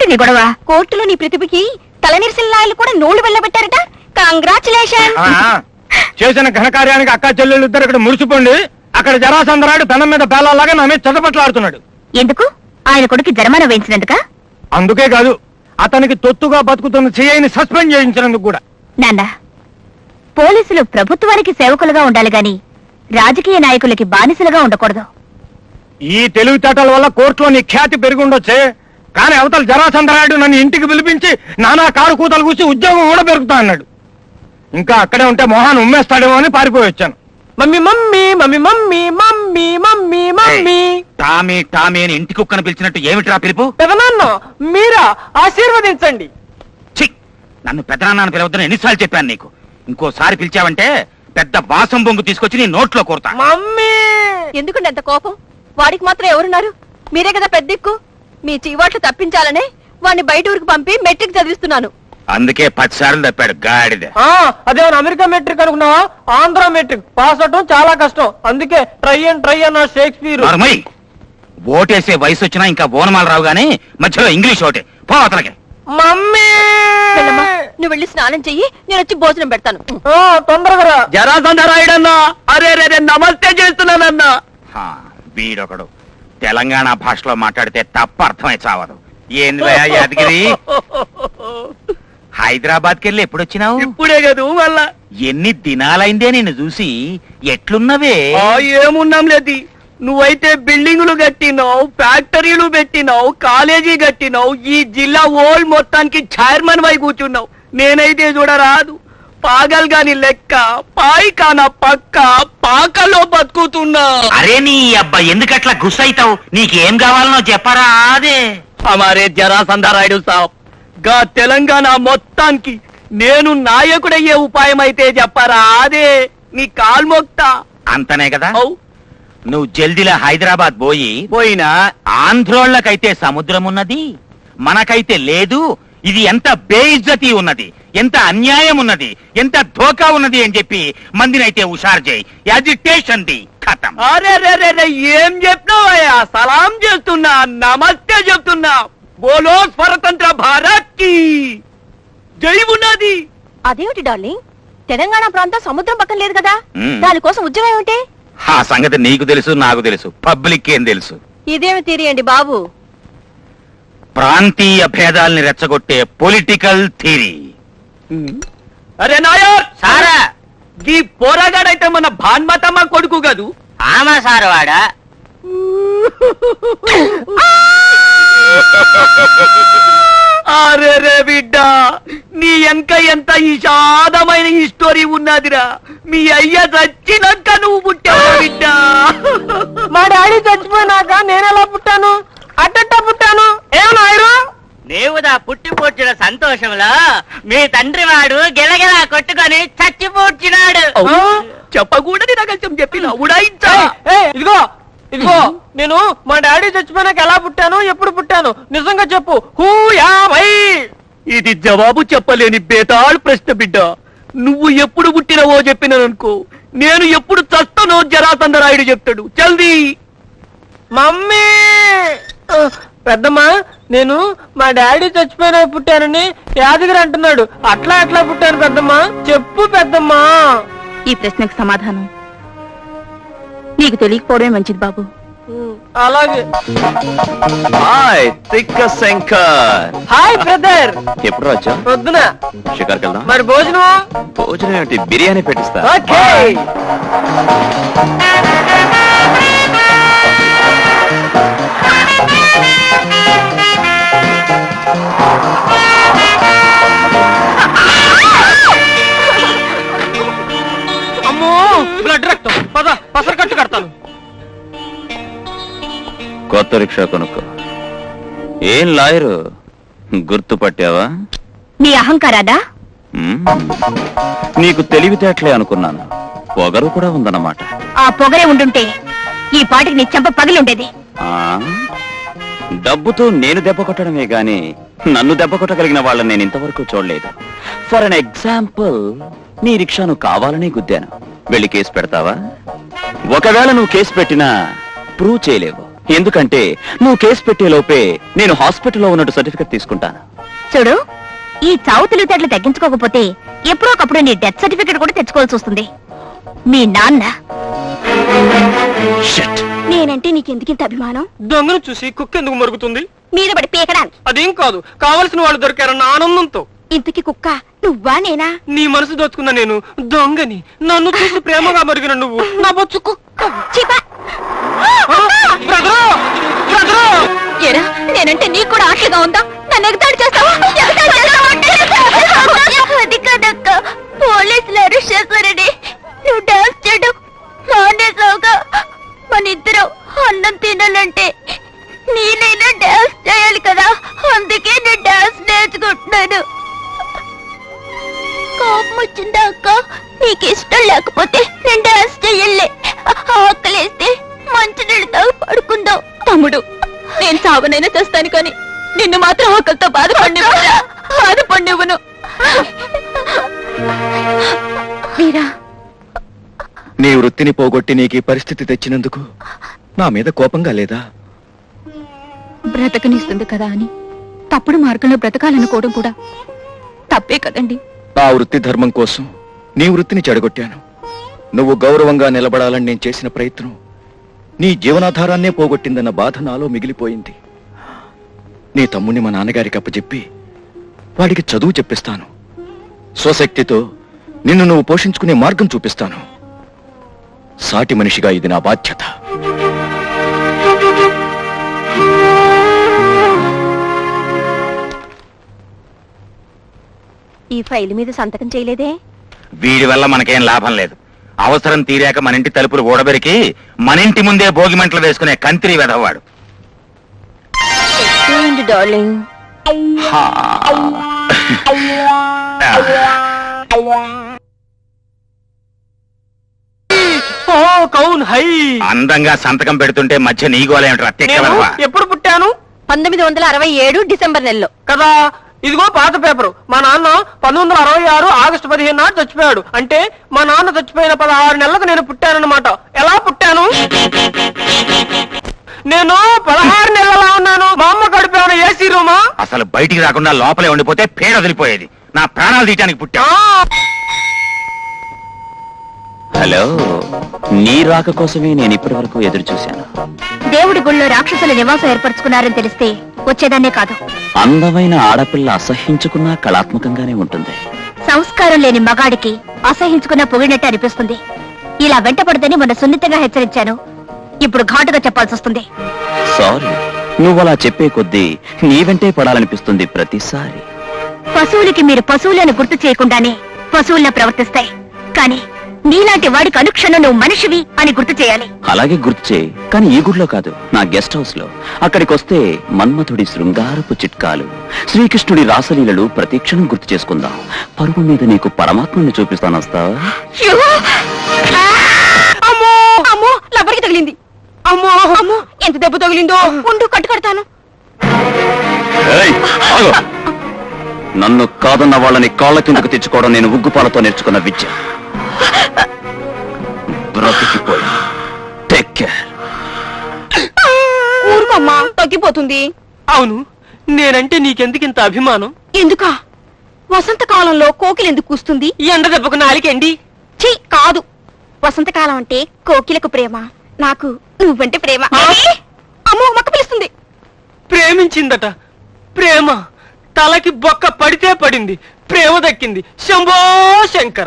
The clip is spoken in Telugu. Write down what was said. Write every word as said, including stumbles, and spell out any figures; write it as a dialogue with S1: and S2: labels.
S1: నీ గొడవ? కోర్టులో నీ ప్రతిభకి తలనిరిసిన లాయర్లు కూడా నోళ్లు వెళ్ళబెట్టారట. కంగ్రాచులేషన్.
S2: చేసిన ఘనకార్యానికి అక్క చెల్లెళ్ళు ఇద్దరు ఇక్కడ మురిసిపోండి. అక్కడ జరాసందరాడు పెనం మీద పేలాలాగా నా మీద చదపట్లాడుతున్నాడు.
S1: ఎందుకు? ఆయన కొడుకు జరిమానా వేయించినందుక?
S2: అందుకే కాదు, అతనికి తొత్తుగా బతుకుతున్న సిఐని సస్పెండ్ చేయించినందుకు కూడా.
S1: నాన్న, పోలీసులు ప్రభుత్వానికి సేవకులుగా ఉండాలి గాని రాజకీయ నాయకులకి బానిసలుగా ఉండకూడదు.
S2: ఈ తెలివితేటల వల్ల కోర్టులో నీ ఖ్యాతి పెరుగుండొచ్చే, కానీ అవతల జరాసందరాయుడు నన్ను ఇంటికి పిలిపించి నానా కారు కూతలు కూసి ఉద్యోగం కూడా పెరుగుతా అన్నాడు. ఇంకా అక్కడే ఉంటే మొహాన్ని ఉమ్మేస్తాడేమో అని పారిపోయి వచ్చాను.
S3: Mummy mummy mummy mummy mummy mummy mummy
S4: Tommy Tommy అని ఇంటి కుక్కను పిలిచినట్టు ఏమిట్రా పిలుపు?
S3: పెదనాన్న మీరా ఆశీర్వదించండి.
S4: ఛీ, నన్ను పెదనాన్న పిలవద్దని ఎన్నిసార్లు చెప్పాను నీకు. ఇంకోసారి పిలిచావంటే పెద్ద వాసం బొంగు తీసుకొచ్చి నీ నోట్లో కోరుతా.
S3: మమ్మీ
S5: ఎందుకండి అంత కోపం? వాడికి మాత్రం ఎవరున్నారు? మీరే కదా పెద్ద దిక్కు. మీ చీవాట్లు తప్పించాలనే వాడిని బయట ఊరికి పంపి మెట్రిక్ చదివిస్తున్నాను.
S4: అందుకే పది సార్లు తప్పాడు గాడిద.
S3: అదేమన్నా అమెరికా మెట్రిక్ అనుకున్నావా? ఆంధ్ర మెట్రిక్ పాస్ అవటం చాలా కష్టం. అందుకే ట్రై అండ్ ట్రై అన్న షేక్స్పియర్.
S4: ఓటేసే వయసు వచ్చినా ఇంకా ఓనమాల రావు గానీ మధ్యలో ఇంగ్లీష్ ఓటే పో అతలకి.
S3: మమ్మీ
S5: నువ్వు వెళ్ళి స్నానం చెయ్యి, నేను వచ్చి భోజనం పెడతాను.
S3: తొందరగా.
S2: జరాసందరాయుడన్నా, అరే రే నమస్తే చేస్తున్నానన్నా.
S4: వీడొకడు తెలంగాణ భాషలో మాట్లాడితే తప్ప అర్థమై చావదు. ఏంది యాదగిరి, హైదరాబాద్కి వెళ్ళి ఎప్పుడొచ్చినావు?
S2: ఇప్పుడే కదూ. మళ్ళా
S4: ఎన్ని దినాలైందే నిన్ను చూసి. ఎట్లున్నవే?
S2: ఏమున్నాం లేదు, నువ్వైతే బిల్డింగులు కట్టినావు, ఫ్యాక్టరీలు పెట్టినావు, కాలేజీ కట్టినావు, ఈ జిల్లా ఓల్ మొత్తానికి చైర్మన్ వై కూర్చున్నావు. నేనైతే చూడరాదు, పాగల్ గాని లెక్క పాయికాన పక్క పాకలో బతుకుతున్నా.
S4: అరే నీ అబ్బా, ఎందుకట్లా గుస్సైతావు? నీకేం కావాలనో చెప్పరా? అదే
S2: హమారే జరాసందరాయుడు సాబ్, గా తెలంగాణ మొత్తానికి నేను నాయకుడయ్యే ఉపాయం అయితే చెప్పరా? అదే నీ కాల్మొక్తా.
S4: అంతనే కదా. నువ్వు జల్దిలా హైదరాబాద్ పోయి
S2: పోయినా
S4: ఆంధ్రోళ్లకైతే సముద్రం ఉన్నది, మనకైతే లేదు. ఇది ఎంత బేఇజ్జతి ఉన్నది, ఎంత అన్యాయం ఉన్నది, ఎంత ధోకా ఉన్నది అని చెప్పి మందినైతే హుషారు చేయి. యాజిటేషన్ ది ఖతం.
S2: అరే రే రే ఏం చెప్పినావయ్యా? సలాం చేస్తున్నా, నమస్తే చెప్తున్నా. బోలో స్వతంత్ర భారత్ కి జై ఉన్నది.
S5: అదేమిటి డార్లింగ్, తెలంగాణ ప్రాంతం సముద్రం పక్కన లేదు కదా,
S4: మ్మ్.
S5: దానికోసం ఉద్యమం ఏమిటి?
S4: ఆ సంగతి నీకు తెలుసు, నాకు తెలుసు, పబ్లిక్ ఏం తెలుసు.
S5: ఇదేమి తీరియండి బాబు.
S4: ప్రాంతీయ భేదాల్ని రెచ్చగొట్టే పొలిటికల్ థియరీ.
S2: అరే నాయర్
S4: సారా,
S2: ఈ పోరాగాడైతే మన భాన్మతమ్మ కొడుకు కదూ?
S4: ఆమా సార్ వాడా.
S2: అరే రే బిడ్డ, నీ వెనక ఎంత విషాదమైన ఈ స్టోరీ ఉన్నదిరా. మీ అయ్య చచ్చినాక నువ్వు పుట్టావు బిడ్డ.
S3: మా డాడీ చచ్చిపోయినాక నేనెలా పుట్టాను? అట్టట్ట పుట్టాను. ఏమన్నాయరు?
S6: దేవుదా పుట్టి పూడ్చిన సంతోషంలో మీ తండ్రి వాడు గిలగిలా కొట్టుకొని చచ్చిపూడ్చినాడు.
S2: చెప్పకూడదు రహస్యం చెప్పిన ఉడాయించా.
S3: ఇదిగో ఇదిగో నేను మా డాడీ చచ్చిపోయినాక ఎలా పుట్టాను, ఎప్పుడు పుట్టాను? నిజంగా చెప్పు. హూ యా భై.
S2: ఇది జవాబు చెప్పలేని బేతాళ్ ప్రశ్న బిడ్డ. నువ్వు ఎప్పుడు పుట్టినవో చెప్పిననుకో, నేను ఎప్పుడు చస్తానో జరాసందరాయుడు చెప్తాడు. జల్దీ.
S3: మమ్మీ పెద్దమ్మా, నేను మా డాడీ చచ్చిపోయినా పుట్టానని యాదగిరి అంటున్నాడు. అట్లా ఎట్లా పుట్టాను పెద్దమ్మా? చెప్పు పెద్దమ్మా.
S1: ఈ ప్రశ్నకు సమాధానం నీకు తెలియకపోవడమే మంచిది బాబు.
S3: అలాగే.
S7: హాయ్ తిక్క శంకర్.
S3: Hi brother.
S7: ఎప్పుడు వచ్చా?
S3: పొద్దున.
S7: షికార్కి వెళ్దాం.
S3: మరి భోజనం?
S7: భోజనం ఏమిటి, బిర్యానీ పెట్టిస్తా.
S3: ఓకే. అమ్మో, బ్లడ్ రక్తం. పద పసర కట్టు కడతాను.
S7: కొత్త రిక్షా కొనుక్కో. ఏం లాయరు, గుర్తుపట్టావా?
S1: నీ అహంకారాదా?
S7: మ్మ్. నీకు తెలివితేటలే అనుకున్నాను, పొగరు కూడా ఉందన్నమాట.
S1: ఆ పొగరే ఉండుంటే ఈ పాటికి నీ చెంప పగిలుండేది.
S7: ఆ డబ్బుతో నేను దెబ్బ కొట్టడమే గాని నన్ను దెబ్బ కొట్టగలిగిన వాళ్ళని నేను ఇంతవరకు చూడలేదు. ఫర్ అన్ ఎగ్జాంపుల్, నీ రిక్షాను కావాలని గుద్దాను. వెళ్ళి కేసు పెడతావా? ఒకవేళ నువ్వు కేసు పెట్టినా ప్రూవ్ చేయలేవు. ఎందుకంటే నువ్వు కేసు పెట్టే లోపే నేను హాస్పిటల్లో ఉన్నట్టు సర్టిఫికెట్ తీసుకుంటాను.
S1: చూడు, ఈ చావు తెలివితేటలు తగ్గించుకోకపోతే ఎప్పుడో ఒకప్పుడు నీ డెత్ సర్టిఫికెట్ కూడా తెచ్చుకోవాల్సి వస్తుంది. మీ నాన్న
S7: Shit.
S1: నేనంటే నీకెందుకింత అభిమానం?
S3: దొంగను చూసి కుక్క ఎందుకు మరుగుతుంది?
S1: మీద పడి పీకడానికి.
S3: అదేం కాదు, కావలసిన వాళ్ళు దొరికారన్న ఆనందంతో.
S1: ఇంతకి కుక్క నువ్వా నేనా?
S3: నీ మనసు దోచుకున్న నేను దొంగని, నన్ను చూసి ప్రేమగా మరిగిన నువ్వు నా బొచ్చు కుక్క.
S1: చీపా!
S3: బ్రదరు! బ్రదరు!
S1: ఏరా, నేనంటే నీకు కూడా ఆటలుగా ఉందా? నన్ను ఎగతాడు చేస్తావా? ఎగతాళి చేస్తావా? అది కదక్క, పోలీసులు అరెస్ట్ చేశారని నువ్వు డాన్స్ చేయడం మానేసావుగా. మన ఇద్దరం అన్నం తినాలంటే నేనైనా డాన్స్ చేయాలి కదా, అందుకే నేను డాన్స్ నేర్చుకుంటున్నాను. కోపం వచ్చిందా అక్క? నీకు ఇష్టం లేకపోతే నేను డాన్స్ చెయ్యలే. ఆకలేస్తే మంచి నీళ్ళతో పడుకుందాం. తమ్ముడు, నేను సాగునైనా చేస్తాను కానీ నిన్ను మాత్రం ఆకలితో బాధపడివ్వను బాధపడివ్వను మీరా.
S8: నీ వృత్తిని పోగొట్టి నీకు ఈ పరిస్థితి తెచ్చినందుకు నా మీద కోపంగా లేదా?
S1: బ్రతకనిస్తుంది కదా అని తప్పుడు మార్గంలో బ్రతకాలనుకోవడం కూడా తప్పే కదండి.
S8: నా వృత్తి ధర్మం కోసం నీ వృత్తిని చెడగొట్టాను. నువ్వు గౌరవంగా నిలబడాలని నేను చేసిన ప్రయత్నం నీ జీవనాధారాన్నే పోగొట్టిందన్న బాధ నాలో మిగిలిపోయింది. నీ తమ్ముని మా నాన్నగారికి అప్పచెప్పి వాడికి చదువు చెప్పిస్తాను. స్వశక్తితో నిన్ను నువ్వు పోషించుకునే మార్గం చూపిస్తాను. సాటి మనిషిగా ఇది నా బాధ్యత.
S5: ఈ ఫైల్ మీద సంతకం చేయలేదే?
S4: వీడి వల్ల మనకేం లాభం లేదు. అవసరం తీరాక మన ఇంటి తలుపులు ఓడబెరికి మన ఇంటి ముందే భోగిమంటలు వేసుకునే కంత్రి వెధవాడు.
S5: డార్లింగ్,
S4: హా.
S3: ఓ కౌన్ హై.
S4: అందంగా సంతకం పెడుతుంటే మధ్య నీగోలేమిట్రా
S3: నేను
S4: తెక్కవా?
S3: ఎప్పుడు పుట్టాను?
S5: పంతొమ్మిది వందల అరవై ఏడు డిసెంబర్ నెలలో.
S3: కదా, ఇదిగో పాత పేపరు. మా నాన్న పంతొమ్మిది వందల అరవై ఆరు ఆగస్టు పదిహేను నాడు చచ్చిపోయాడు. అంటే మా నాన్న చచ్చిపోయిన పదహారు నెలలకు నేను పుట్టానన్నమాట. ఎలా పుట్టాను? నేను పదహారు నెలలా ఉన్నాను. మా అమ్మ గడిపాను ఏసీ రూమా.
S4: అసలు బయటికి రాకుండా లోపలే ఉండిపోతే పేడ వదిలిపోయేది. నా ప్రాణాలు తీయటానికి పుట్టా.
S7: హలో, నీ రాక కోసమే నేను ఇప్పటి వరకు ఎదురు చూశాను.
S1: దేవుడి గుళ్ళో రాక్షసుల నివాసం ఏర్పరచుకున్నారని తెలిస్తే వచ్చేదాన్నే కాదు.
S7: అందమైన ఆడపిల్ల అసహించుకున్నా కళాత్మకంగానే ఉంటుంది.
S1: సంస్కారం లేని మగాడికి అసహించుకున్న పొగిడినట్టు అనిపిస్తుంది. ఇలా వెంటపడదని మొన్న సున్నితంగా హెచ్చరించాను. ఇప్పుడు ఘాటుగా చెప్పాల్సి వస్తుంది.
S7: సారీ, నువ్వు అలా చెప్పే కొద్దీ నీ వెంటే పడాలనిపిస్తుంది ప్రతిసారి.
S1: పశువులకి మీరు పశువులను గుర్తు చేయకుండానే పశువుల్లా ప్రవర్తిస్తాయి. కానీ నీలాంటి వాడికి అనుక్షణం నువ్వు మనిషివి అని గుర్తు చేయాలి.
S7: అలాగే గుర్తు చేయి, కానీ ఈ గుడిలో కాదు, నా గెస్ట్ హౌస్ లో. అక్కడికి వస్తే మన్మథుడి శృంగారపు చిట్కాలు, శ్రీకృష్ణుడి రాసలీలలు ప్రతిక్షణం గుర్తు చేసుకుందాం. పరుగు మీద నీకు పరమాత్మని చూపిస్తాను, వస్తావా?
S5: అమ్మో అమ్మో, లబ్బరికి తగిలింది. అమ్మో అమ్మో, ఎంత దెబ్బ తగిలిందో. ఉండు, కట్టు కడతాను.
S7: ఏయ్, ఆగు. నన్ను కాదన్న వాళ్ళని కాళ్ళ కిందకు తెచ్చుకోవడం నేను ఉగ్గుపాలతో నేర్చుకున్న విద్య. బ్రతికిపోయి టేక్ కేర్.
S5: ఊరుకోమ్మా, తగ్గిపోతుంది.
S3: అవును, నేనంటే నీకెందుకింత అభిమానం?
S5: ఎందుకా? వసంతకాలంలో కోకిల ఎందుకు కూస్తుంది?
S3: ఈ ఎండ దెబ్బకు నాలికండి.
S5: ఛీ, కాదు. వసంతకాలం అంటే కోకిలకు ప్రేమ, నాకు నువ్వంటే ప్రేమ.
S3: ఆ?
S5: అమ్మో, మక్క పిలుస్తుంది.
S3: ప్రేమించిందట. ప్రేమ తలకి బొక్క పడితే పడింది, ప్రేమ దక్కింది. శంభో శంకర.